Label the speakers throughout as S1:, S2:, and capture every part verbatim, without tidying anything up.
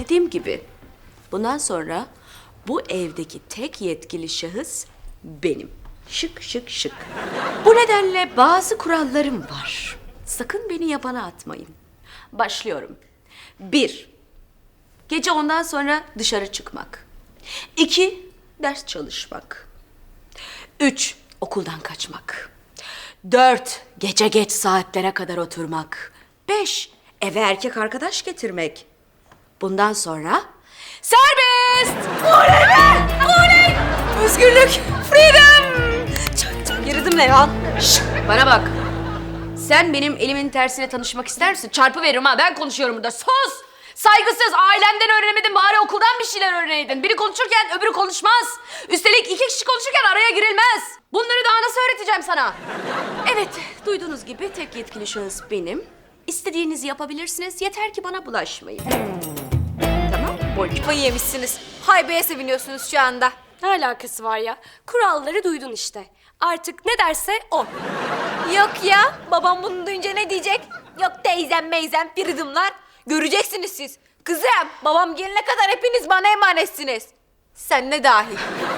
S1: Dediğim gibi bundan sonra bu evdeki tek yetkili şahıs benim. Şık şık şık. Bu nedenle bazı kurallarım var. Sakın beni yabana atmayın. Başlıyorum. Bir, gece ondan sonra dışarı çıkmak. İki, ders çalışmak. Üç, okuldan kaçmak. Dört, gece geç saatlere kadar oturmak. Beş, eve erkek arkadaş getirmek. Bundan sonra serbest! Oley be! Oley! Özgürlük! Freedom! Çok çok girdim ne ya? Şşş! Bana bak. Sen benim elimin tersiyle tanışmak ister misin? Çarpı veririm ha. Ben konuşuyorum burada. Sus! Saygısız. Ailenden öğrenemedin. Bari okuldan bir şeyler öğreneydin. Biri konuşurken öbürü konuşmaz. Üstelik iki kişi konuşurken araya girilmez. Bunları daha nasıl öğreteceğim sana? Evet, duyduğunuz gibi tek yetkili şahıs benim. İstediğinizi yapabilirsiniz. Yeter ki bana bulaşmayın. Tamam, boncuk.
S2: Kafayı yemişsiniz. Haybeye seviniyorsunuz şu anda.
S3: Ne alakası var ya? Kuralları duydun işte. Artık ne derse o.
S2: Yok ya, babam bunu duyunca ne diyecek? Yok teyzem meyzem piridimler. Göreceksiniz siz. Kızım, babam gelene kadar hepiniz bana emanetsiniz. Sen ne dahil.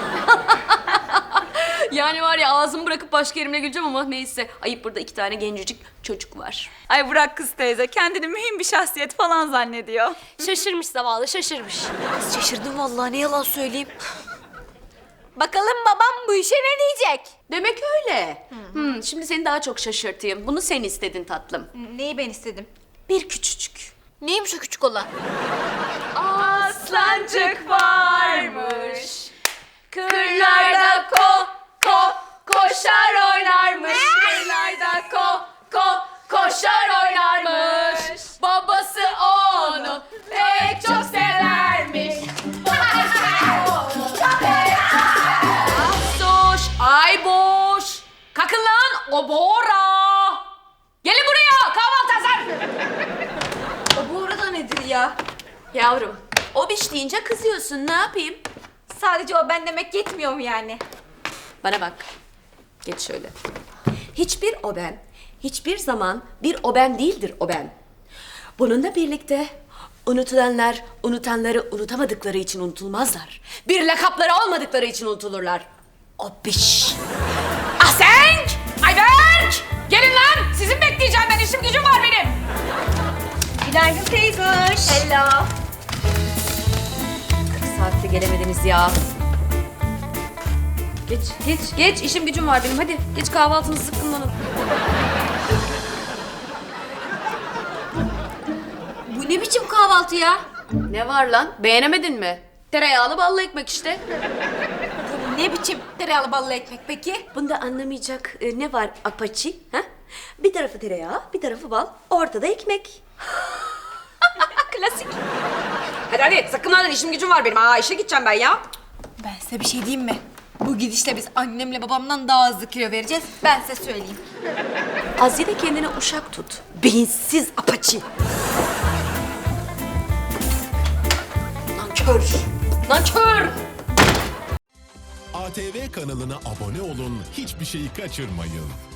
S1: Yani var ya ağzımı bırakıp başka yerimle güleceğim ama neyse. Ayıp, burada iki tane gencecik çocuk var.
S4: Ay bırak kız teyze, kendini mühim bir şahsiyet falan zannediyor.
S3: Şaşırmış zavallı, şaşırmış.
S2: Şaşırdım vallahi, ne yalan söyleyeyim. Bakalım babam bu işe ne diyecek?
S1: Demek öyle. Hmm, şimdi seni daha çok şaşırtayım. Bunu sen istedin tatlım.
S2: Neyi ben istedim?
S1: Bir küçücük.
S2: Neymiş o küçük olan?
S4: Aslancık varmış,
S2: Kırlarda
S4: ko ko koşar oynarmış. Kırlarda ko ko koşar oynarmış. Babası onu pek çok severmiş.
S1: Soş, ay boş. Kalkın lan obora. Gelin buraya, kahvaltı hazır.
S2: O bu arada nedir ya?
S1: Yavrum, o biş deyince kızıyorsun, ne yapayım?
S2: Sadece o ben demek yetmiyor mu yani?
S1: Bana bak, geç şöyle. Hiçbir o ben, hiçbir zaman bir o ben değildir o ben. Bununla birlikte unutulanlar, unutanları unutamadıkları için unutulmazlar. Bir lakapları olmadıkları için unutulurlar. O biş. Asenk! Ayberk! Gelin lan! Sizin bekleyeceğim ben, işim gücüm var benim.
S2: Günaydın teyzoş. Hello.
S1: kırk saatte gelemediniz ya. Geç, geç, geç. İşim gücüm var benim. Hadi geç, kahvaltınızı sıkkınlanın.
S2: Bu ne biçim kahvaltı ya?
S1: Ne var lan? Beğenemedin mi? Tereyağlı ballı ekmek işte.
S2: Bu ne biçim tereyağlı ballı ekmek peki?
S1: Bunda anlamayacak e, ne var apaçi? Ha? Bir tarafı tereyağı, bir tarafı bal, ortada ekmek. Klasik. Hadi hadi sakınlardan, işim gücüm var benim. Aa, işe gideceğim ben ya.
S2: Ben size bir şey diyeyim mi? Bu gidişle biz annemle babamdan daha hızlı kilo vereceğiz. Ben size söyleyeyim.
S1: Azide kendine uşak tut. Beyinsiz apaçi. Nankör. Nankör.
S5: A T V kanalına abone olun, hiçbir şeyi kaçırmayın.